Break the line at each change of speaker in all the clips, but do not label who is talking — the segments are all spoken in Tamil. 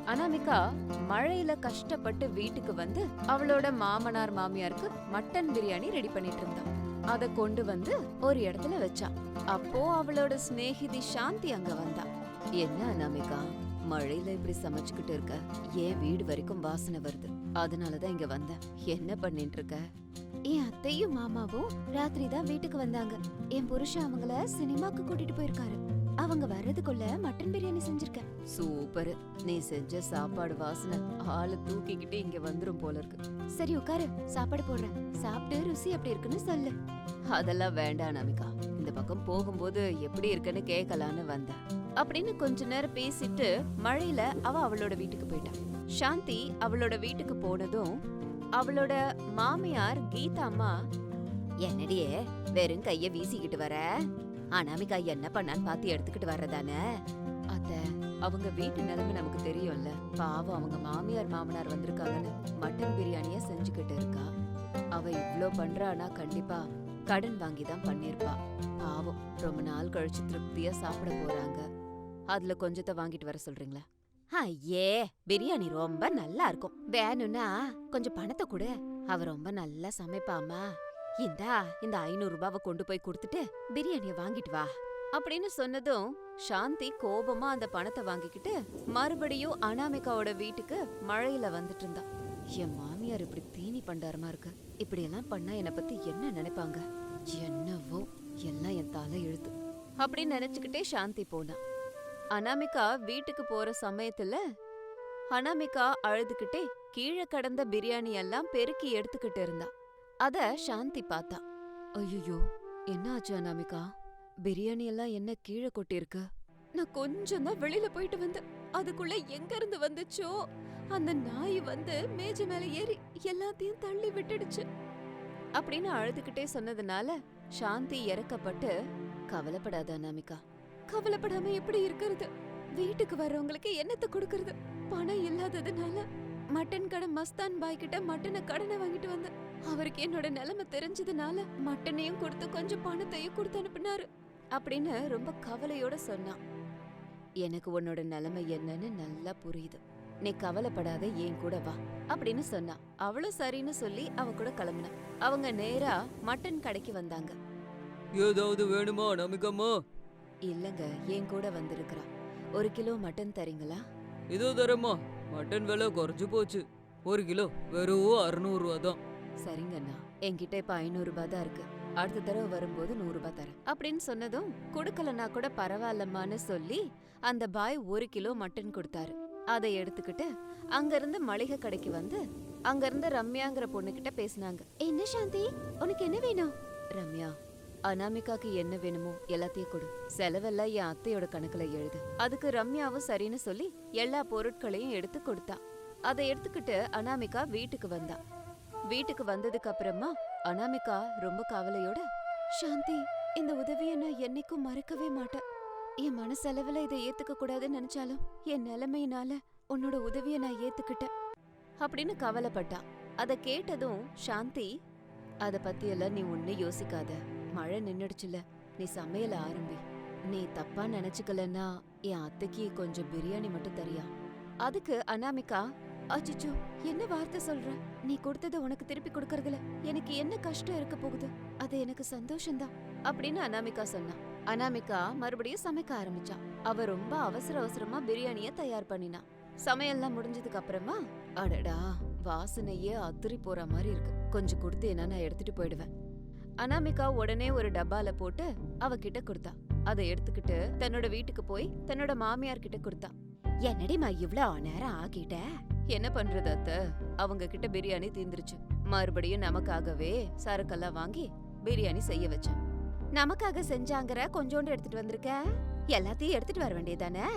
அனாமிகா மழையில கஷ்டப்பட்டு வீட்டுக்கு வந்து அவளோட மாமனார் மாமியாருக்கு மட்டன் பிரியாணி ரெடி பண்ணிட்டு இருந்தா. அத கொண்டு வந்து ஒரு இடத்துல வச்சா. அப்போ அவளோட சிநேகிதி சாந்தி அங்க வந்தா. என்ன அனாமிகா, மழையில இப்படி சமைச்சுக்கிட்டு இருக்க? ஏன் வீடு வரைக்கும் வாசனை வருது, அதனாலதான் இங்க வந்த. என்ன பண்ணிட்டு இருக்க? என் அத்தையும் மாமாவும் ராத்திரி தான் வீட்டுக்கு வந்தாங்க. என் புருஷன் அவங்கள சினிமாக்கு கூட்டிட்டு போயிருக்காரு. அவங்க வர்றதுக்குள்ள மட்டன் பிரியாணி செஞ்சிருக்கேன். சூப்பர். நீ செஞ்ச சாப்பாடு வாசனை ஆளு தூக்கிக்கிட்டு இங்க வந்துரும் போல இருக்கு. சரி உட்காரு, சாப்பாடு போடுறேன். சாப்பிட்டு ருசி எப்படி இருக்குன்னு சொல்லு. அதெல்லாம் வேண்டாம் நமிகா, இந்த பக்கம் போகும்போது எப்படி இருக்குன்னு கேட்கலான்னு வந்தேன் அப்படின்னு கொஞ்ச நேரம் பேசிட்டு மழையில அவளோட வீட்டுக்கு போயிட்டான். சாந்தி அவளோட வீட்டுக்கு போனதும் அவளோட மாமியார் கீதா அம்மா, என்னடியே வெறும் கைய வீசிக்கிட்டு வர? அனாமிகா என்ன பண்ணான்னு பாத்து எடுத்துக்கிட்டு வர்றதானே? அத்த, அவங்க வீட்டு நிலைமை நமக்கு தெரியும்ல. பாவம், அவங்க மாமியார் மாமனார் வந்திருக்காங்கன்னு மட்டன் பிரியாணிய செஞ்சுக்கிட்டு இருக்கா. அவ இவ்ளோ பண்றானா கண்டிப்பா கடன் வாங்கிதான் பண்ணிருப்பா. பாவம், ரொம்ப நாள் கழிச்சு திருப்தியா சாப்பிட போறாங்க. அதுல கொஞ்சத்தை வாங்கிட்டு வர சொல்றீங்களா? ஐயே, பிரியாணி ரொம்ப நல்லா இருக்கும். வேணும்னா கொஞ்சம் பணத்தை கொடு. அவ ரொம்ப நல்லா சமைப்பாமா. இந்த 500 ரூபாவை கொண்டு போய் கொடுத்துட்டு பிரியாணிய வாங்கிட்டு வா அப்படின்னு சொன்னதும் சாந்தி கோபமா அந்த பணத்தை வாங்கிக்கிட்டு மறுபடியும் அனாமிகாவோட வீட்டுக்கு மழையில வந்துட்டு இருந்தா. என் மாமியார் இப்படி தீனி பண்டாரமா இருக்கு, இப்படி எல்லாம் பண்ணா என்னை பத்தி என்ன நினைப்பாங்க? என்னவோ, எல்லாம் என் தலை எழுத்து அப்படின்னு நினைச்சுக்கிட்டே சாந்தி போனா. அனாமிகா வீட்டுக்கு போற சமயத்துல அனாமிகா அழுதுகிட்டே கீழே கடந்த பிரியாணி எல்லாம் பெருக்கி எடுத்துக்கிட்டு இருந்தா. அத சாந்தி பார்த்தா. ஐயோ, என்ன ஆச்சு அனாமிகா? பிரியாணி எல்லாம் என்ன கீழே கொட்டிருக்கு? நான் கொஞ்சம் தான் வெளியில போயிட்டு வந்தேன். அதுக்குள்ள எங்க இருந்து வந்துச்சோ அந்த நாய் வந்து மேஜ மேல ஏறி எல்லாத்தையும் தள்ளி விட்டுடுச்சு அப்படின்னு அழுதுகிட்டே சொன்னதுனால சாந்தி இறக்கப்பட்டு, கவலைப்படாத அனாமிகா. கவலைப்படாம எப்படி இருக்கிறது? வீட்டுக்கு வர்றவங்களுக்கு என்னத்தை கொடுக்கறது? பணம் இல்லாததுனால மட்டன் கடை மஸ்தான் பாய் கிட்ட மட்டனை கடனை வாங்கிட்டு வந்தேன். அவருக்கு என்னோட நிலைமை தெரிஞ்சதுனால மட்டனையும் கொடுத்து கொஞ்சம் பணத்தையும் கொடுத்து அனுப்புனாரு அப்படின்னு ரொம்ப கவலையோட சொன்னான். எனக்கு உன்னோட நிலைமை என்னன்னு நல்லா புரியுது. நீ கவலைப்படாத, ஏன் கூட வா அப்படின்னு சொன்னா. அவளும் சரின்னு சொல்லி அவ கூட கிளம்புனா. அவங்க நேரா மட்டன் கடைக்கு வந்தாங்க.
ஏதாவது வேணுமா நமிகம்மா?
இல்லங்க, என் கூட வந்திருக்கிறா. 1 கிலோ மட்டன் தரீங்களா?
இதோ தரமா. மட்டன் விலை குறைஞ்சு போச்சு. 1 கிலோ வெறும் 600 ரூபா தான்.
சரிங்கண்ணா, என்கிட்ட இப்ப 500 ரூபாய் தான் இருக்கு. அடுத்த தடவை வரும்போது 100 ரூபாய் தரேன் அப்படின்னு சொன்னதும், கொடுக்கலன்னா கூட பரவாயில்லம்மான்னு சொல்லி அந்த பாய் 1 கிலோ மட்டன் கொடுத்தாரு. அதை எடுத்துக்கிட்டு அங்க இருந்து மளிகை கடைக்கு வந்து அங்க இருந்து ரம்யாங்கிற பொண்ணுகிட்ட பேசினாங்க. என்ன சாந்தி, உனக்கு என்ன வேணும்? ரம்யா, அனாமிகாக்கு என்ன வேணுமோ எல்லாத்தையும் கொடு. செலவெல்லாம் என் அத்தையோட கணக்குல எழுது. அதுக்கு ரம்யாவும் சரின்னு சொல்லி எல்லா பொருட்களையும் எடுத்து கொடுத்தா. அதை எடுத்துக்கிட்டு அனாமிகா வீட்டுக்கு வந்தா. வீட்டுக்கு வந்ததுக்கு அப்புறமா அனாமிகா ரொம்ப கவலையோட, சாந்தி, இந்த உதவிய நான் என்னைக்கும் மறக்கவே மாட்டேன். என் மனசளவுல இதை ஏத்துக்க கூடாதுன்னு நினைச்சாலும் என் நிலைமையினால உன்னோட உதவிய நான் ஏத்துக்கிட்டேன் அப்படின்னு கவலைப்பட்டா. அத கேட்டதும் சாந்தி, அத பத்தி எல்லாம் நீ ஒன்னும் யோசிக்காத. மழை நின்னுடுச்சுல, நீ சமையல ஆரம்பி. நீ தப்பா நினைச்சுக்கலன்னா என் அத்தைக்கு கொஞ்சம் பிரியாணி மட்டும் தரியா? அதுக்கு அனாமிகா, அச்சோ, என்ன வார்த்தை சொல்ற? நீ கொடுத்தத உனக்கு திருப்பி கொடுக்கறதுல எனக்கு என்ன கஷ்டம் இருக்க போகுது? அது எனக்கு சந்தோஷம்தான் அப்படின்னு அனாமிகா சொன்னா. அனாமிகா மறுபடியும் சமைக்க ஆரம்பிச்சா. அவ ரொம்ப அவசர அவசரமா பிரியாணிய தயார் பண்ணினா. சமையல்லாம் முடிஞ்சதுக்கு அப்புறமா, அடடா, வாசனையே அத்துரி போற மாதிரி இருக்கு, கொஞ்சம் கொடுத்தேன்னா நான் எடுத்துட்டு போயிடுவேன். அனாமிகா உடனே ஒரு டப்பால போட்டு அவகிட்ட கொடுத்தா. அதை எடுத்துக்கிட்டு தன்னோட வீட்டுக்கு போய் தன்னோட மாமியார் கிட்ட கொடுத்தா. என்னடிமா இவ்ளோ நேரம் ஆகிட்ட? என்ன பண்றது அத்த, அவங்க கிட்ட பிரியாணி தீந்துருச்சு. மறுபடியும் நமக்காகவே சரக்கெல்லாம் வாங்கி பிரியாணி செய்ய வச்சேன். நமக்காக செஞ்சாங்கற கொஞ்சோண்டு எடுத்துட்டு வந்திருக்க, எல்லாத்தையும் எடுத்துட்டு வர வேண்டியதானே?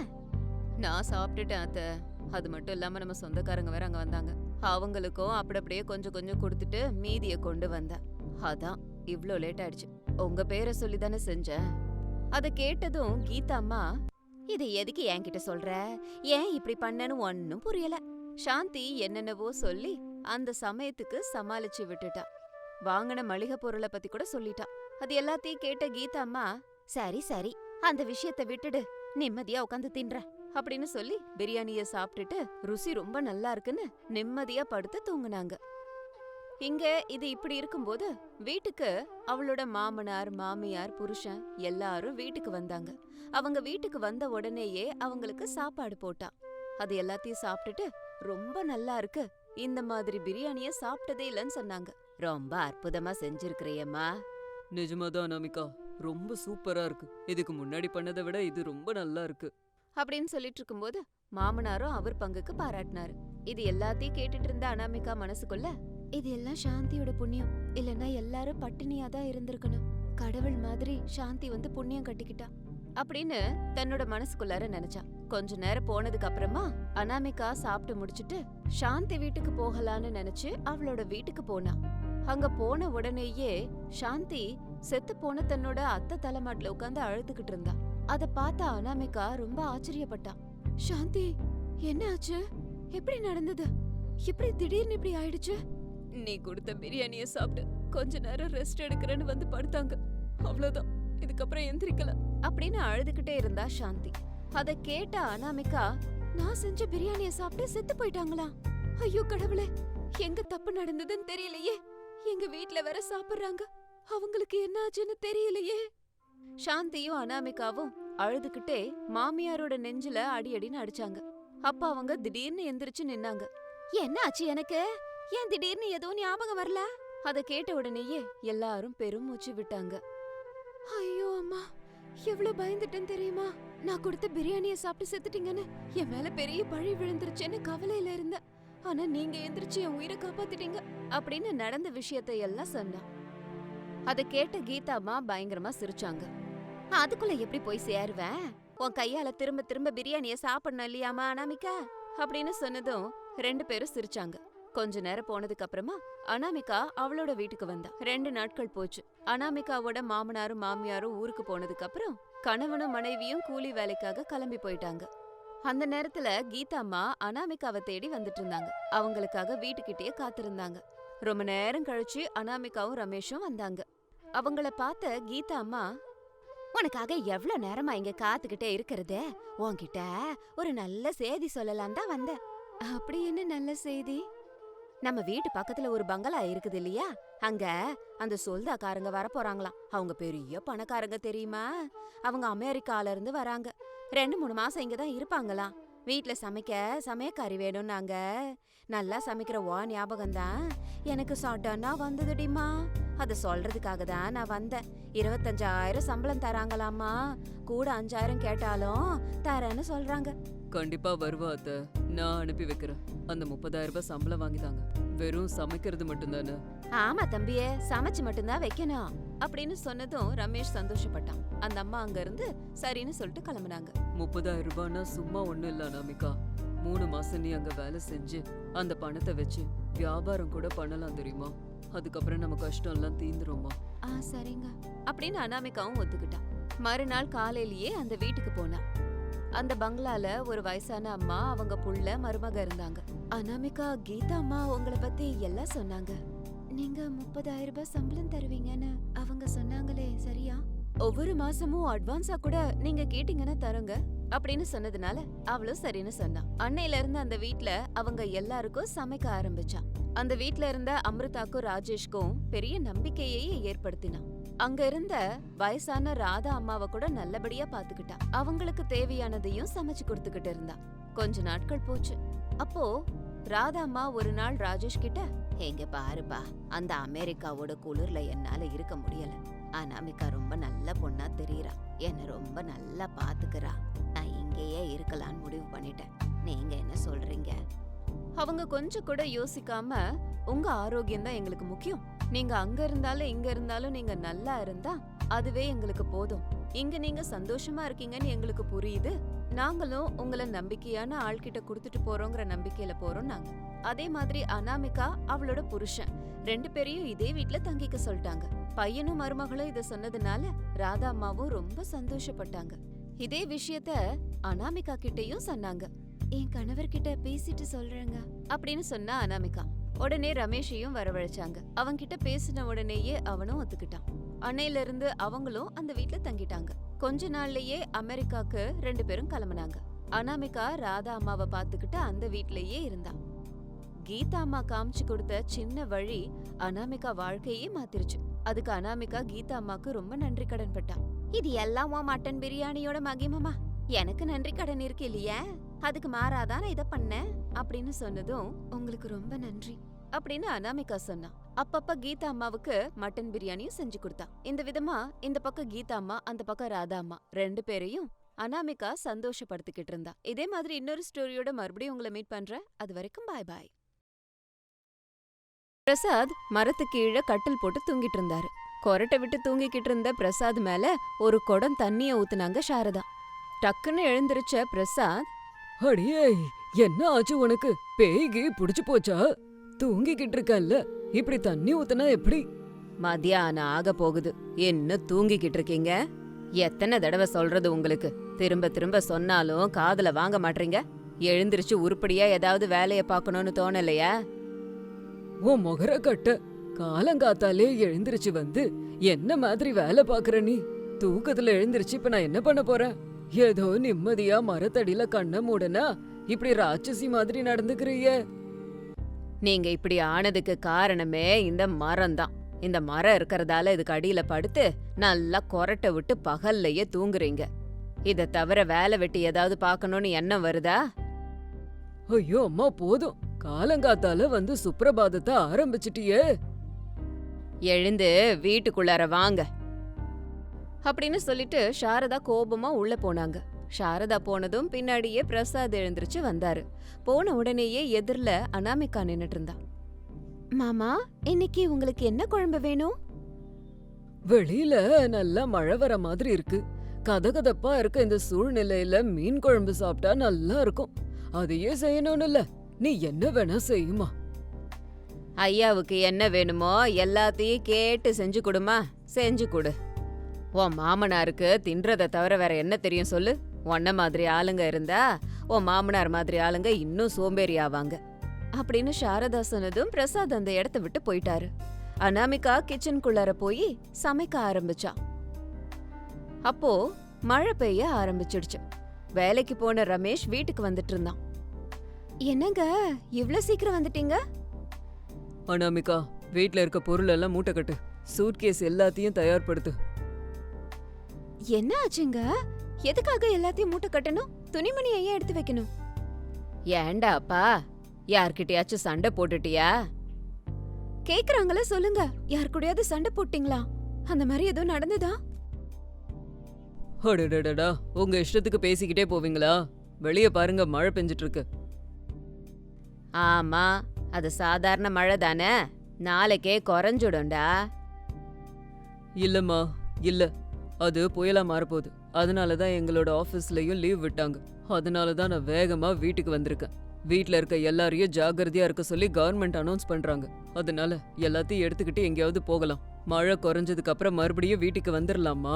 நான் சாப்பிட்டுட்டேன் அத்த. அது மட்டும் இல்லாம நம்ம சொந்தக்காரங்க வேற அங்க வந்தாங்க. அவங்களுக்கும் அப்படியே கொஞ்சம் கொஞ்சம் கொடுத்துட்டு மீதிய கொண்டு வந்தேன். அதான் இவ்ளோ லேட் ஆயிடுச்சு. உங்க பேரை சொல்லி தானே செஞ்சேன். அதை கேட்டதும் கீதா அம்மா, இதை எதுக்கு என்கிட்ட சொல்ற? ஏன் இப்படி பண்ணனு ஒன்னும் புரியல. சாந்தி என்னென்னவோ சொல்லி அந்த சமயத்துக்கு சமாளிச்சு விட்டுட்டா. வாங்கின மளிகை பொருளை பத்தி கூட சொல்லிட்டா. அது எல்லாத்தையும் கேட்ட கீதா அம்மா, சரி சரி, அந்த விஷயத்த விட்டுடு, நிம்மதியா உட்காந்து தின்ற அப்படின்னு சொல்லி பிரியாணிய சாப்பிட்டுட்டு ருசி ரொம்ப நல்லா இருக்குன்னு நிம்மதியா படுத்து தூங்குனாங்க. இங்க இது இப்படி இருக்கும்போது வீட்டுக்கு அவளோட மாமனார் மாமியார் புருஷன் எல்லாரும் வீட்டுக்கு வந்தாங்க. அவங்க வீட்டுக்கு வந்த உடனேயே அவங்களுக்கு சாப்பாடு போட்டா. அது எல்லாத்தையும் சாப்பிட்டுட்டு ரொம்ப நல்லா இருக்கு, இந்த மாதிரி பிரியாணிய சாப்பிட்டதே இல்லைன்னு சொன்னாங்க. ரொம்ப அற்புதமா செஞ்சிருக்கிறியம்மா.
நிஜமாதான் அனாமிகா, ரொம்ப சூப்பரா இருக்கு. இதுக்கு முன்னாடி பண்ணதை விட இது ரொம்ப நல்லா இருக்கு
அப்படின்னு சொல்லிட்டு இருக்கும்போது மாமனாரும் அவர் பங்குக்கு பாராட்டினாரு. இது எல்லாத்தையும் கேட்டுட்டு இருந்த அனாமிகா மனசுக்குள்ள, இது எல்லாம் சாந்தியோட புண்ணியம், இல்லன்னா எல்லாரும் பட்டினியா தான் இருந்திருக்கணும். கடவுள் மாதிரி சாந்தி வந்து புண்ணியம் கட்டிக்கிட்டா அப்படின்னு தன்னோட மனசுக்குள்ளார நினைச்சா. கொஞ்ச நேரம் போனதுக்கு அப்புறமா அனாமிகா சாப்பிட்டு முடிச்சிட்டு சாந்தி வீட்டுக்கு போகலான்னு நினைச்சு அவளோட வீட்டுக்கு போனா. அங்க போன உடனேயே சாந்தி செத்து போன தன்னோட அத்தை தலைமாட்டுல உட்காந்து அழுதுகிட்டு இருந்தா. அத பார்த்த அனாமிகா ரொம்ப ஆச்சரியப்பட்டா. சாந்தி, என்ன ஆச்சு? எப்படி நடந்தது? இப்படி திடீர்னு இப்படி ஆயிடுச்சு? நீ கொடுத்த பிரியாணிய சாப்பிட்டு கொஞ்ச நேரம் ரெஸ்ட் எடுக்கிறேன்னு வந்து படுத்தாங்க, அவ்வளவுதான், இதுக்கப்புறம் எந்திரிக்கல அப்படின்னு அழுதுகிட்டே இருந்தா சாந்தி. அத கேட்ட அனாமிகா, நான் செஞ்ச பிரியாணிய சாப்பிட்டு செத்து போயிட்டாங்களா? ஐயோ கடவுளே, எங்க தப்பு நடந்ததுன்னு தெரியலையே. எங்க வீட்ல வேற சாப்பிடுறாங்க, அவங்களுக்கு என்ன ஆச்சுன்னு தெரியலையே. சாந்தியும் அனாமிகாவும் அழுதுகிட்டே மாமியாரோட நெஞ்சில அடி அடின்னு அடிச்சாங்க. அப்ப அவங்க திடீர்னு எந்திரிச்சு நின்னாங்க. என்ன ஆச்சு எனக்கு? ஏன் திடீர்னு எதுவும் ஞாபகம் வரல? அத கேட்ட உடனேயே எல்லாரும் பெருமூச்சு விட்டாங்க. ஐயோ அம்மா, எவ்வளவு பயந்துட்டேன்னு தெரியுமா? நான் கொடுத்த பிரியாணிய சாப்பிட்டு செத்துட்டீங்கன்னு என் மேல பெரிய பழி விழுந்துருச்சுன்னு கவலையில இருந்தேன். ஆனா நீங்க எந்திரிச்சு என் உயிரை காப்பாத்திட்டீங்க அப்படின்னு நடந்த விஷயத்தை எல்லாம் சொன்னா. அத கேட்ட கீதாம்மா பயங்கரமா சிரிச்சாங்க. அதுக்குள்ள எப்படி போய் சேருவேன்? உன் கையால திரும்ப திரும்ப பிரியாணிய சாப்பிடணும் இல்லையாமா அனாமிகா அப்படின்னு சொன்னதும் 2 பேரும் சிரிச்சாங்க. கொஞ்ச நேரம் போனதுக்கு அப்புறமா அனாமிகா அவளோட வீட்டுக்கு வந்தா. 2 நாட்கள் போச்சு. அனாமிகாவோட மாமனாரும் மாமியாரும் ஊருக்கு போனதுக்கு அப்புறம் கணவனும் மனைவியும் கூலி வேலைக்காக கிளம்பி போயிட்டாங்க. அந்த நேரத்துல கீதாம்மா அனாமிகாவை தேடி வந்துட்டு இருந்தாங்க. அவங்களுக்காக வீட்டுக்கிட்டே காத்திருந்தாங்க. ரொம்ப நேரம் கழிச்சு அனாமிகாவும் ரமேஷும் வந்தாங்க. அவங்கள பார்த்த கீதாம்மா, உனக்காக எவ்வளவு நேரமா இங்க காத்துக்கிட்டே இருக்கிறதே, உன்கிட்ட ஒரு நல்ல செய்தி சொல்லலாம் தான் வந்தேன். அப்படி என்ன நல்ல செய்தி? நம்ம வீட்டு பக்கத்துல ஒரு பங்களா இருக்குது இல்லையா, அங்க அந்த சொந்தக்காரங்க வர போறாங்களாம். அவங்க பெரிய பணக்காரங்க தெரியுமா? அவங்க அமெரிக்கால இருந்து வராங்க. 2-3 மாசம் இங்கதான் இருப்பாங்களாம். வீட்ல சமைக்க சமையக்காரி வேணும்னாங்க. நல்லா சமைக்கிற ஞாபகம் தான் எனக்கு சடனா வந்ததுடிமா. அத சொல்றதுக்காக தான் நான் வந்தேன். 25,000 சம்பளம் தராங்களாமா. கூட 5,000 கேட்டாலும் தரேன்னு சொல்றாங்க.
கண்டிப்பா வருவா அத்தை, நான் அனுப்பி வைக்கிறேன். அந்த 30,000 ரூபாய் சம்பளம் வாங்கிதாங்க. வெறும் சமைக்கிறது மட்டும்தானே?
ஆமா தம்பியே, சமைச்சு மட்டும்தான் வைக்கணும் அப்படின்னு சொன்னதும் ரமேஷ் சந்தோஷப்பட்டான். அந்த அம்மா அங்க இருந்து சரின்னு சொல்லிட்டு கிளம்புனாங்க.
30,000 ரூபாய்னா சும்மா ஒண்ணும் இல்ல அனாமிகா. 3 மாசம் நீ அங்க வேலை செஞ்சு அந்த பணத்தை வச்சு வியாபாரம் கூட பண்ணலாம் தெரியுமா? அதுக்கப்புறம் நம்ம கஷ்டம் எல்லாம் தீந்துருமா?
சரிங்க அப்படின்னு அனாமிகாவும் ஒத்துக்கிட்டான். மறுநாள் காலையிலேயே அந்த வீட்டுக்கு போனா. அந்த பங்களால ஒரு வயசான அம்மா, அவங்க புள்ள மருமக இருந்தாங்க. அனாமிகா, கீதா அம்மா உங்களை பத்தி எல்லாம் சொன்னாங்க. நீங்க 30,000 ரூபாய் சம்பளம் தருவீங்கன்னு அவங்க சொன்னாங்களே, சரியா? ஒவ்வொரு மாசமும் அட்வான்ஸா கூட நீங்க கேட்டீங்கன்னா தருங்க அப்படின்னு சொன்னதுனால அவளும் சரின்னு சொன்னா. அன்னையில இருந்து அந்த வீட்ல அவங்க எல்லாருக்கும் சமைக்க ஆரம்பிச்சா. அந்த வீட்ல இருந்த அமிர்தாக்கும் ராஜேஷ்க்கும் பெரிய நம்பிக்கையே ஏற்படுத்தினா. அங்க இருந்த வயசான ராதா அம்மாவை கூட நல்லபடியா பாத்துக்கிட்டா. அவங்களுக்கு தேவையானதையும் சமைச்சு கொடுத்துக்கிட்டு இருந்தா. கொஞ்ச நாட்கள் போச்சு. அப்போ ராதா அம்மா ஒரு நாள் ராஜேஷ் கிட்ட, எங்க பாருப்பா, அந்த அமெரிக்காவோட குளிர்ல என்னால இருக்க முடியல. அனாமிகா ரொம்ப நல்ல பொண்ணா தெரியறா, என்ன ரொம்ப நல்லா பாத்துக்கிறா. நான் இங்கேயே இருக்கலான்னு முடிவு பண்ணிட்டேன். நீங்க என்ன சொல்றீங்க? அவங்க கொஞ்சம் கூட யோசிக்காம, உங்க ஆரோக்கியம் தான் எங்களுக்கு முக்கியம். நீங்க அங்க இருந்தாலும் இங்க இருந்தாலும் நீங்க நல்லா இருந்தா அதுவே எங்களுக்கு போதும். இங்க நீங்க சந்தோஷமா இருக்கீங்கன்னு எங்களுக்கு புரியுது. நாங்களும் உங்களை நம்பிக்கையான ஆள்கிட்ட குடுத்துட்டு போறோங்கிற நம்பிக்கையில போறோம் நாங்க. அதே மாதிரி அனாமிகா அவளோட புருஷன் 2 பேரையும் இதே வீட்ல தங்கிக்க சொல்லிட்டாங்க. பையனும் மருமகளும் இத சொன்னதுனால ராதா அம்மாவும் ரொம்ப சந்தோஷப்பட்டாங்க. இதே விஷயத்த அனாமிகா கிட்டயும் சொன்னாங்க. என் கணவர்கிட்ட பேசிட்டு சொல்றேங்க அப்படின்னு சொன்னா அனாமிகா. உடனே ரமேஷையும் வரவழைச்சாங்க. அவன்கிட்ட பேசின உடனேயே அவனும் ஒத்துக்கிட்டான். அன்னையில இருந்து அவங்களும் அந்த வீட்ல தங்கிட்டாங்க. கொஞ்ச நாள்லயே அமெரிக்காக்கு 2 பேரும் கிளம்புனாங்க. அனாமிகா ராதா அம்மாவை பாத்துக்கிட்டு அந்த வீட்லயே இருந்தா. கீதா அம்மா காமிச்சு கொடுத்த சின்ன வழி அனாமிகா வாழ்க்கையே மாத்திருச்சு. அதுக்கு அனாமிகா கீதா அம்மாக்கு ரொம்ப நன்றி கடன் பட்டா. இது எல்லாம் உன் மட்டன் பிரியாணியோட மகிமமா, எனக்கு நன்றி கடன் இருக்கு இல்லையா, அதுக்கு மாறாதான் நான் இத பண்ணேன் அப்படின்னு சொன்னதும் உங்களுக்கு ரொம்ப நன்றி அப்படின்னு அனாமிகா சொன்னா. அப்பப்ப கீதா அம்மாவுக்கு மட்டன் பிரியாணியும் செஞ்சு கொடுத்தா. இந்த விதமா இந்த பக்கம் கீதா அம்மா, அந்த பக்கம் ராதா அம்மா 2 பேரையும் அனாமிகா சந்தோஷப்படுத்திக்கிட்டு இருந்தா. இதே மாதிரி இன்னொரு ஸ்டோரியோட மறுபடியும் உங்களை மீட் பண்றேன். அது வரைக்கும் பாய் பாய். பிரசாத் மரத்துக்கு கீழே கட்டில் போட்டு தூங்கிட்டு இருந்தாரு. கொரட்டை விட்டு தூங்கிக்கிட்டு இருந்த பிரசாத் மேல ஒரு குடம் தண்ணிய ஊத்துனாங்க சாரதா. டக்குன்னு எழுந்திருச்ச பிரசாத்,
அடியே, என்ன ஆச்சு உனக்கு? பேய்கி புடிச்சு போச்சா? தூங்கிக்கிட்டு இருக்கல்ல, இப்படி தண்ணி ஊத்துனா எப்படி?
மத்தியானம் ஆக போகுது, என்ன தூங்கிக்கிட்டு இருக்கீங்க? எத்தனை தடவை சொல்றது உங்களுக்கு? திரும்ப திரும்ப சொன்னாலும் காதுல வாங்க மாட்டீங்க. எழுந்திருச்சு உருப்படியா ஏதாவது வேலைய பாக்கணும்னு தோணலையா?
உன் முகர கட்ட, காலங்காத்தாலே எழுந்திருச்சு வந்து என்ன மாதிரி வேலை பாக்குற நீ? தூக்கத்துல எழுந்திருச்சு இப்ப நான் என்ன பண்ண போறேன்? ஏதோ நிம்மதியா மரத்தடியில கண்ண மூடனா இப்படி ராட்சசி மாதிரி நடந்துக்கிறிய.
நீங்க இப்படி ஆனதுக்கு காரணமே இந்த மரம்தான். இந்த மரம் இருக்கறதால இதுக்கு அடியில படுத்து நல்லா கொரட்டை விட்டு பகல்லையே தூங்குறீங்க. இத தவிர வேலை வெட்டி ஏதாவது பாக்கணும்னு எண்ணம் வருதா?
ஐயோ அம்மா, போதும். காலங்காத்தால வந்து சுப்ரபாதத்தை ஆரம்பிச்சிட்டியே.
எழுந்து வீட்டுக்குள்ளார வாங்க அப்படின்னு சொல்லிட்டு சாரதா கோபமா உள்ள போனாங்க. சாரதா போனதும் பின்னாடியே பிரசாத் எழுந்திருச்சு வந்தாரு. போன உடனேயே எதிர்ல அனாமிகா நின்னுட்டு இருந்தா. மாமா, இன்னைக்கு உங்களுக்கு என்ன குழம்பு வேணும்?
வெளியில நல்லா மழை வர மாதிரி இருக்கு. கதகதப்பா இருக்க இந்த சூழ்நிலையில மீன் குழம்பு சாப்பிட்டா நல்லா இருக்கும். அதையே செய்யணும்னு இல்ல, நீ என்ன வேணா செய்யுமா.
ஐயாவுக்கு என்ன வேணுமோ எல்லாத்தையும் கேட்டு செஞ்சு கொடுமா. செஞ்சு கொடு. உன் மாமனாருக்கு தின்றதை தவிர வேற என்ன தெரியும் சொல்லு? உன்ன மாதிரி ஆளுங்க இருந்தா உன் மாமனார் மாதிரி ஆளுங்க இன்னும் சோம்பேறி ஆவாங்க அப்படின்னு சாரதா சொன்னதும் பிரசாத் அந்த இடத்த விட்டு போயிட்டாரு. அனாமிகா கிச்சனுக்குள்ளார போய் சமைக்க ஆரம்பிச்சா. அப்போ மழை பெய்ய ஆரம்பிச்சிடுச்சு. வேலைக்கு போன ரமேஷ் வீட்டுக்கு வந்துட்டு இருந்தான். என்னங்க இவ்ளோ சீக்கிரம் வந்துட்டீங்க?
அனாமிகா, வீட்ல இருக்க பொருள் எல்லாம் மூட்டை கட்டு. சூட்கேஸ் எல்லாத்தையும் தயார்படுத்து.
என்ன ஆச்சுங்க? எதுக்காக எல்லாத்தையும் மூட்டை கட்டணும்? துணிமணி ஏன் எடுத்து வைக்கணும்? ஏண்டா அப்பா, யார்கிட்டயாச்சும் சண்டை போட்டுட்டியா? கேக்குறாங்களா சொல்லுங்க. யார் கூடயாவது சண்டை போட்டீங்களா? அந்த மாதிரி ஏதோ நடந்ததா?
அடடடடா, உங்க இஷ்டத்துக்கு பேசிக்கிட்டே போவீங்களா? வெளிய பாருங்க, மழை பெஞ்சிட்டு இருக்கு.
ஆமா, அது சாதாரண மழை தானே, நாளைக்கே குறைஞ்சிடும்டா.
இல்லம்மா, இல்ல, அது புயலா மாறப்போகுது. அதனாலதான் எங்களோட ஆபீஸ்லயும் லீவ் விட்டாங்க. அதனாலதான் நான் வேகமா வீட்டுக்கு வந்திருக்கேன். வீட்ல இருக்க எல்லாரையும் ஜாகிரதையா இருக்க சொல்லி கவர்மெண்ட் அனௌன்ஸ் பண்றாங்க. அதனால எல்லாத்தையும் எடுத்துக்கிட்டு எங்கேயாவது போகலாம். மழை குறைஞ்சதுக்கு அப்புறம் மறுபடியும் வீட்டுக்கு வந்துடலாமா?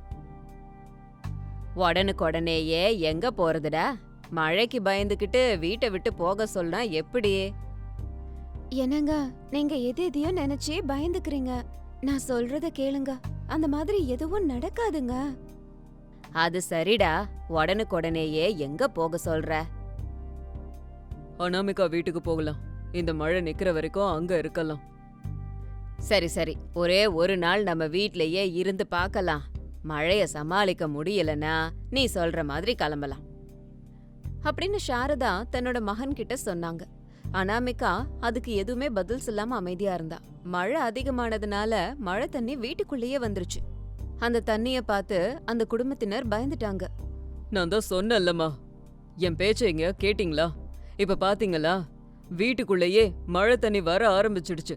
உடனுக்குடனேயே எங்க போறதுடா? மழைக்கு பயந்துகிட்டு வீட்டை விட்டு போக சொன்னா எப்படி? என்னங்க, நீங்க எதையோ நினைச்சு பயந்துக்கிறீங்க. நான் சொல்றத கேளுங்க, அந்த மாதிரி எதுவும் நடக்காதுங்க. அது சரிடா, உடனுக்குடனேயே எங்க போக சொல்ற?
அனாமிகா வீட்டுக்கு போகலாம். இந்த மழை நிக்கிற வரைக்கும் அங்க இருக்கலாம்.
சரி சரி, ஒரே ஒரு நாள் நம்ம வீட்லயே இருந்து பார்க்கலாம். மழைய சமாளிக்க முடியலனா நீ சொல்ற மாதிரி கிளம்பலாம் அப்படின்னு சாரதா தன்னோட மகன் கிட்ட சொன்னாங்க. அனாமிகா அதுக்கு எதுவுமே பதில் சொல்லாம அமைதியா இருந்தா. மழை அதிகமானதுனால மழை தண்ணி வீட்டுக்குள்ளேயே வந்துருச்சு. அந்த தண்ணிய பார்த்து அந்த குடும்பத்தினர் பயந்துட்டாங்க.
நான் தான் சொன்னேன்லம்மா, என் பேச்ச இங்க கேட்டீங்களா? இப்ப பாத்தீங்களா, வீட்டுக்குள்ளேயே மழை தண்ணி வர ஆரம்பிச்சிடுச்சு.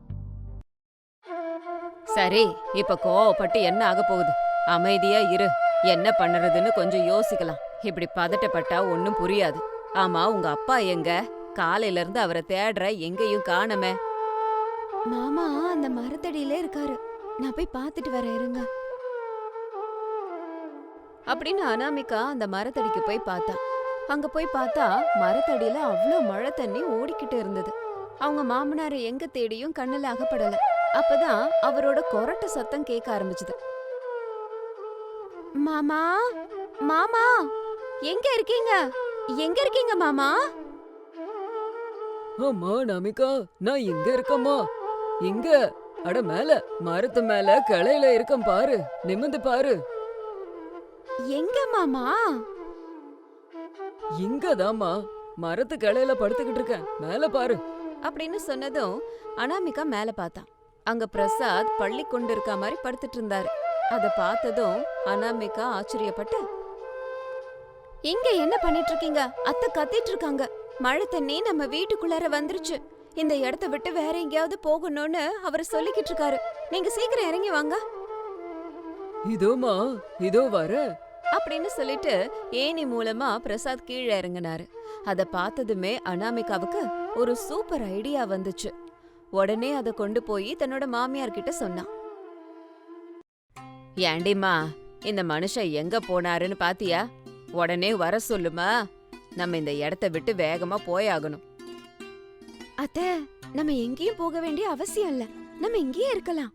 சரி, இப்ப கோவப்பட்டு என்ன ஆக போகுது? அமைதியா இரு. என்ன பண்ணுறதுன்னு கொஞ்சம் யோசிக்கலாம். இப்படி பதட்டப்பட்டா ஒன்னும் புரியாது. ஆமா, உங்க அப்பா எங்க? காலையில இருந்து அவரை தேடுற, எங்கேயும் காணமே. மாமா அந்த மரத்தடியில இருக்காரு. நான் போய் பாத்துட்டு வரேன், இருங்க அப்படின்னு அனாமிகா அந்த மரத்தடிக்கு போய் பார்த்தா. அங்க போய் பார்த்தா மரத்தடியில அவ்ளோ மழை தண்ணி ஓடிக்கிட்டு இருந்தது. அவங்க மாமனாரை எங்க தேடியும் கண்ணுல அகப்படல. அப்பதான் அவரோட கொரட்ட சத்தம் கேட்க ஆரம்பிச்சது. மாமா, மாமா எங்க இருக்கீங்க? எங்க இருக்கீங்க மாமா?
அம்மா நமிகா, நான் இங்க இருக்கம்மா. இங்க அட மேல மரத்து மேல கிளையில இருக்கேன் பாரு, நிமிந்து பாரு.
எங்க மாமா?
இங்கதாம்மா மரத்து கிளையில படுத்துக்கிட்டு இருக்கேன், மேல பாரு.
அப்படின்னு சொன்னதும் அனாமிகா மேல பார்த்தான். அங்க பிரசாத் பள்ளி கொண்டு இருக்க மாதிரி படுத்துட்டு இருந்தாரு. அத பார்த்ததும் அனாமிகா ஆச்சரியப்பட்டு, இங்க என்ன பண்ணிட்டு இருக்கீங்க? அத்தை கத்திட்டு இருக்காங்க. மழை தண்ணி நம்ம வீட்டுக்குள்ளார வந்துருச்சு. இந்த இடத்த விட்டு வேற எங்கேயாவது போகணும்னு அவர் சொல்லிக்கிட்டு இருக்காரு. நீங்க சீக்கிரம் இறங்கி வாங்க
இதோமா, இதோ வர.
அப்படின்னு சொல்லிட்டு ஏணி மூலமா பிரசாத் கீழே இறங்கினாரு. அத பார்த்ததுமே அனாமிகாவுக்கு ஒரு சூப்பர் ஐடியா வந்துச்சு. உடனே அத கொண்டு போய் தன்னோட மாமியார் கிட்ட சொன்னான். ஏண்டிம்மா, இந்த மனுஷன் எங்க போனாருன்னு பாத்தியா? உடனே வர சொல்லுமா, நம்ம இந்த இடத்த விட்டு வேகமா போயாகணும். அத்த, நம்ம எங்கேயும் போக வேண்டிய அவசியம் இல்ல, நம்ம இங்கேயே இருக்கலாம்.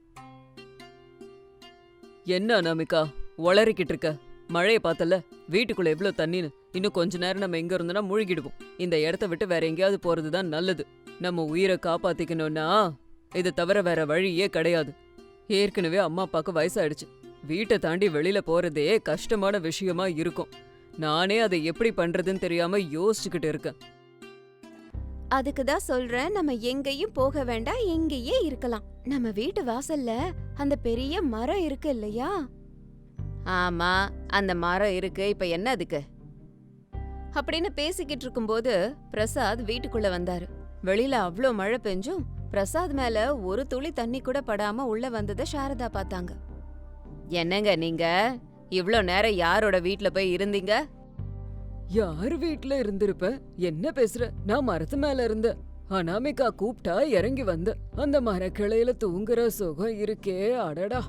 என்ன நமிகா உளறிக்கிட்டு இருக்க? மழைய பார்த்தல, வீட்டுக்குள்ள எவ்வளவு தண்ணின்னு. இன்னும் கொஞ்ச நேரம் நம்ம எங்க இருந்தோம்னா மூழ்கிடுவோம். இந்த இடத்த விட்டு வேற எங்கேயாவது போறதுதான் நல்லது. நம்ம உயிரை காப்பாத்திக்கணும்னா இதை தவிர வேற வழியே கிடையாது. ஏற்கனவே அம்மா அப்பாக்கு வயசாயிடுச்சு. வீட்டை தாண்டி வெளியில போறதே கஷ்டமான விஷயமா இருக்கும். நானே அதை எப்படி பண்றதுன்னு தெரியாம யோசிச்சுக்கிட்டு இருக்கேன்.
அதுக்கு தான் சொல்றேன், நம்ம எங்கேயும் போக வேண்டாம், இங்கேயே இருக்கலாம். நம்ம வீட்டு வாசல்ல அந்த பெரிய மரம் இருக்கு இல்லையா? ஆமா, அந்த மரம் இருக்கு. இப்ப என்ன அதுக்கு? அப்படின்னு பேசிக்கிட்டு இருக்கும்போது பிரசாத் வீட்டுக்குள்ள வந்தாரு. வெளியில அவ்ளோ மழை பெஞ்சும் பிரசாத் மேல ஒரு துளி தண்ணி கூட படாம உள்ள வந்தத சாரதா பார்த்தாங்க. என்னங்க நீங்க இவ்ளோ நேரம் யாரோட வீட்ல போய் இருந்தீங்க?
யார் வீட்ல இருந்திருப்ப? என்ன பேசுற? நான் மரத்து மேல இருந்த. அனாமிகா கூப்பிட்டா இறங்கி வந்த. அந்த மரக்கிளையில தூங்குற சுகம் இருக்கே, அடடா.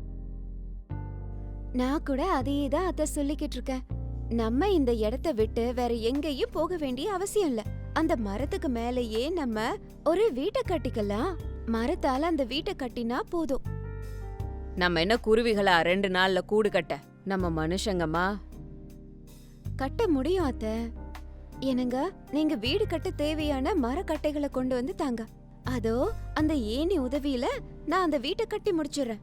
நான் கூட அதையே தான் அத சொல்லிக்கிட்டு இருக்கேன். நம்ம இந்த இடத்த விட்டு வேற எங்கேயும் போக வேண்டிய அவசியம் இல்ல. அந்த மரத்துக்கு மேலேயே நம்ம ஒரு வீட்டை கட்டிக்கலாம். மரத்தால அந்த வீட்டை கட்டினா போதும். நம்ம என்ன குருவிகளா 2 நாள்ல கூடு கட்ட? நம்ம மனுஷங்கம்மா. கட்ட முடியும் அத்த. என்னங்க, நீங்க வீடு கட்ட தேவையான மரக்கட்டைகளை கொண்டு வந்து தாங்க. அதோ அந்த ஏணி உதவியில நான் அந்த வீட்டை கட்டி முடிச்சிடுறேன்.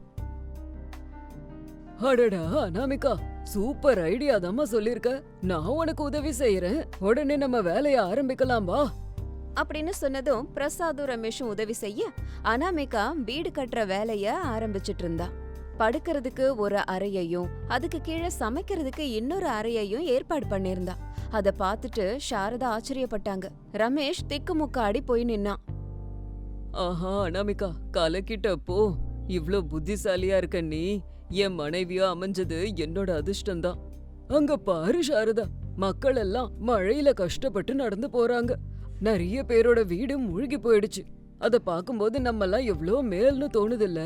அடடா அனாமிகா, சூப்பர் ஐடியா தாம்மா சொல்லிருக்க. நான் உனக்கு உதவி செய்யறேன். உடனே நம்ம வேலைய ஆரம்பிக்கலாம் வா.
அப்படின்னு சொன்னதும் பிரசாதும் ரமேஷும் உதவி செய்ய அனாமிகா வீடு கட்டுற வேலைய ஆரம்பிச்சிட்டு இருந்தா. படுக்கிறதுக்கு ஒரு அறையையும் அதுக்கு கீழே சமைக்கிறதுக்கு இன்னொரு அறையையும் ஏற்பாடு பண்ணிருந்தா. அத பார்த்துட்டு சாரதா ஆச்சரியப்பட்டாங்க. ரமேஷ் திக்குமுக்காடி போய் நின்னான்.
ஆஹா அனாமிகா, கலக்கிட்ட போ. இவ்ளோ புத்திசாலியா இருக்க நீ என் மனைவியா அமைஞ்சது என்னோட அதிர்ஷ்டம்தான். அங்க பாரு சாரதா, மக்கள் எல்லாம் மழையில கஷ்டப்பட்டு நடந்து போறாங்க. நிறைய பேரோட வீடு மூழ்கி போயிடுச்சு. அத பாக்கும்போது நம்ம எல்லாம் எவ்வளோ மேல்னு தோணுதில்ல?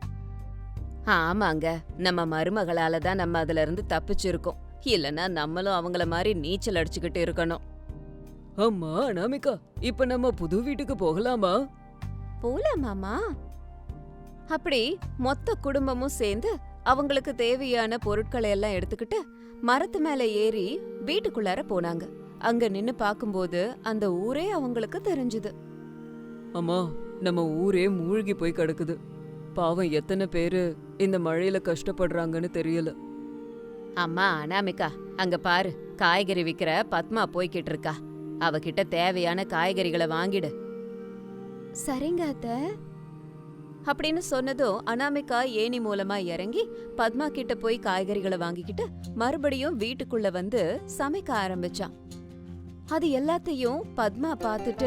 ஆமாங்க, நம்ம மருமகளால தான் நம்ம அதுல இருந்து தப்பிச்சிருக்கோம். இல்லனா நம்மளும் அவங்கள மாதிரி நீச்சல் அடிச்சுக்கிட்டு இருக்கணும்.
அம்மா அனாமிகா, இப்ப நம்ம புது வீட்டுக்கு போகலாமா?
போலாமாமா? அப்படி மொத்த குடும்பமும் சேர்ந்து அவங்களுக்கு தேவையான பொருட்களை எல்லாம் எடுத்துக்கிட்டு மரத்து மேல ஏறி வீட்டுக்குள்ளார போனாங்க. அங்க நின்னு பாக்கும்போது அந்த ஊரே அவங்களுக்கு தெரிஞ்சுது.
அம்மா, நம்ம ஊரே மூழ்கி போய் கிடக்குது. பாவம் எத்தனை பேரு இந்த மழையில கஷ்டப்படுறாங்கன்னு தெரியல.
அம்மா அனாமிகா, அங்க பாரு, காய்கறி விக்கிற பத்மா போய்கிட்டு இருக்கா. அவகிட்ட தேவையான காய்கறிகளை வாங்கிடு. சரிங்க அத்த. அப்படின்னு சொன்னதும் அனாமிகா ஏணி மூலமா இறங்கி பத்மா கிட்ட போய் காய்கறிகளை வாங்கிக்கிட்டு மறுபடியும் வீட்டுக்குள்ள வந்து சமைக்க ஆரம்பிச்சான். அது எல்லாத்தையும் பத்மா பார்த்துட்டு,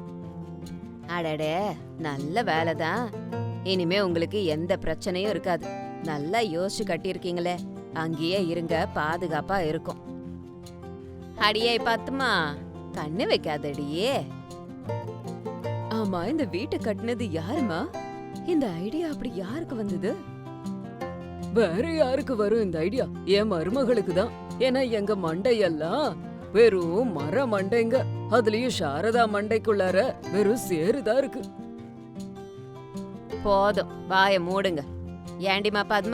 அடடே, நல்ல வேலைதான். இனிமே உங்களுக்கு எந்த பிரச்சனையும் இருக்காது. நல்லா யோசிச்சு கட்டியிருக்கீங்களே, அங்கேயே இருங்க, பாதுகாப்பா இருக்கும். அடியே பத்மா, கண்ணு வைக்காதடியே. ஆமா, இந்த வீட்டை கட்டினது யாருமா? இந்த ஐடியா அப்படி யாருக்கு வந்தது?
வேற யாருக்கு வரும் இந்த ஐடியா? என் மருமகளுக்கு தான். ஏன்னா எங்க மண்டையெல்லாம் வெறும் மர மண்டைங்க. அதுலயும் சாரதா மண்டைக்குள்ளார வெறும் சேருதான் இருக்கு.
போதும், வாய மூடுங்க. ஏண்டிமா பத்மா,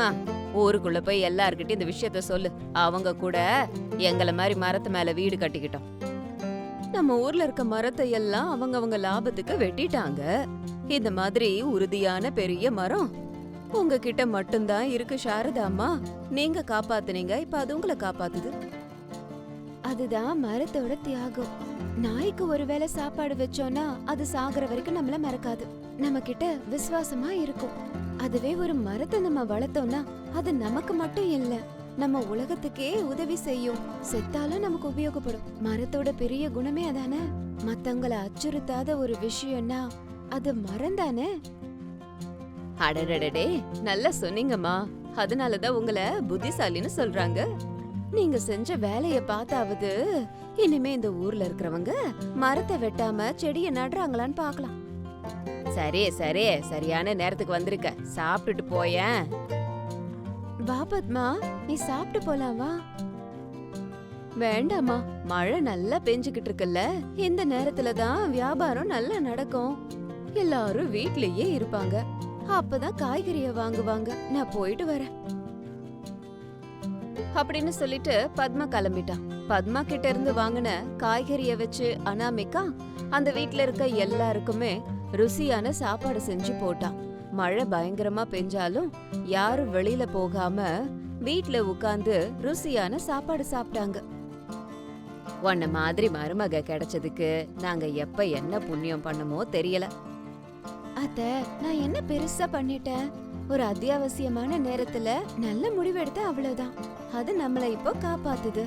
ஊருக்குள்ள போய் எல்லார்கிட்டயும் இந்த விஷயத்த சொல்லு. அவங்க கூட எங்கள மாதிரி மரத்து மேல வீடு கட்டிக்கிட்டோம். நம்ம ஊர்ல இருக்க மரத்தை எல்லாம் அவங்க லாபத்துக்கு வெட்டிட்டாங்க. இந்த மாதிரி உறுதியான பெரிய மரம் உங்ககிட்ட மட்டும்தான் இருக்கு சாரதாம்மா. நீங்க காப்பாத்துனீங்க, இப்ப அது உங்களை காப்பாத்துது. அதுதான் மரத்தோட தியாகம். நாய்க்கு ஒருவேளை சாப்பாடு வச்சோம்னா அது சாகுற வரைக்கும் நம்மள மறக்காது, நம்ம கிட்ட விசுவாசமா இருக்கும். அதுவே ஒரு மரத்தை நம்ம வளர்த்தோம்னா அது நமக்கு மட்டும் இல்ல, நம்ம உலகத்துக்கே உதவி செய்யும். செத்தாலும் நமக்கு உபயோகப்படும். மரத்தோட பெரிய குணமே அதானே. மத்தவங்கள அச்சுறுத்தாத ஒரு விஷயம்னா அது மரம் தானே. அடடடடே, நல்லா சொன்னீங்கம்மா. அதனாலதான் உங்களை புத்திசாலின்னு சொல்றாங்க. நீங்க செஞ்ச வேலைய பார்த்தாவது இனிமே இந்த ஊர்ல இருக்கிறவங்க மரத்தை வெட்டாம செடிய நடுறாங்களான்னு பாக்கலாம். சரி சரி, சரியான நேரத்துக்கு வந்திருக்க. சாப்பிட்டுட்டு போயேன். வா பத்மா, நீ சாப்பிட்டு போலாம் வா. வேண்டாமா, மழை நல்லா பெஞ்சுக்கிட்டு இருக்குல்ல, இந்த நேரத்துல தான் வியாபாரம் நல்லா நடக்கும். எல்லாரும் வீட்லயே இருப்பாங்க, அப்பதான் காய்கறிய வாங்குவாங்க. நான் போயிட்டு வரேன் அப்படின்னு சொல்லிட்டு பத்மா கிளம்பிட்டான். பத்மா கிட்ட இருந்து வாங்கின காய்கறிய வச்சு அனாமிகா அந்த வீட்ல இருக்க எல்லாருக்குமே ருசியான சாப்பாடு செஞ்சு போட்டான். மழை பயங்கரமா பெஞ்சாலும் யாரும் வெளியில போகாம வீட்ல உட்கார்ந்து ருசியான சாப்பாடு சாப்பிட்டாங்க. உன்ன மாதிரி மருமக கிடைச்சதுக்கு நாங்க எப்ப என்ன புண்ணியம் பண்ணமோ தெரியல. அத்த, நான் என்ன பெருசா பண்ணிட்டேன்? ஒரு அத்தியாவசியமான நேரத்துல நல்ல முடிவெடுத்த, அவ்வளவுதான். அது நம்மள இப்போ காப்பாத்துது.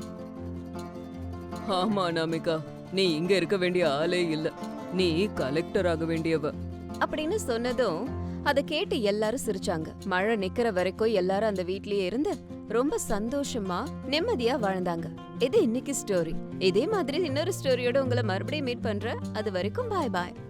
ஆமா அனாமிகா, நீ இங்க இருக்க வேண்டிய ஆளே இல்ல, நீ கலெக்டர் ஆக வேண்டியவ
அப்படின்னு சொன்னதும் அதை கேட்டு எல்லாரும் சிரிச்சாங்க. மழை நிக்கிற வரைக்கும் எல்லாரும் அந்த வீட்லயே இருந்து ரொம்ப சந்தோஷமா நிம்மதியா வாழ்ந்தாங்க. இது இன்னைக்கு ஸ்டோரி. இதே மாதிரி இன்னொரு ஸ்டோரியோட உங்களை மறுபடியும் மீட் பண்றேன். அது வரைக்கும் பாய் பாய்.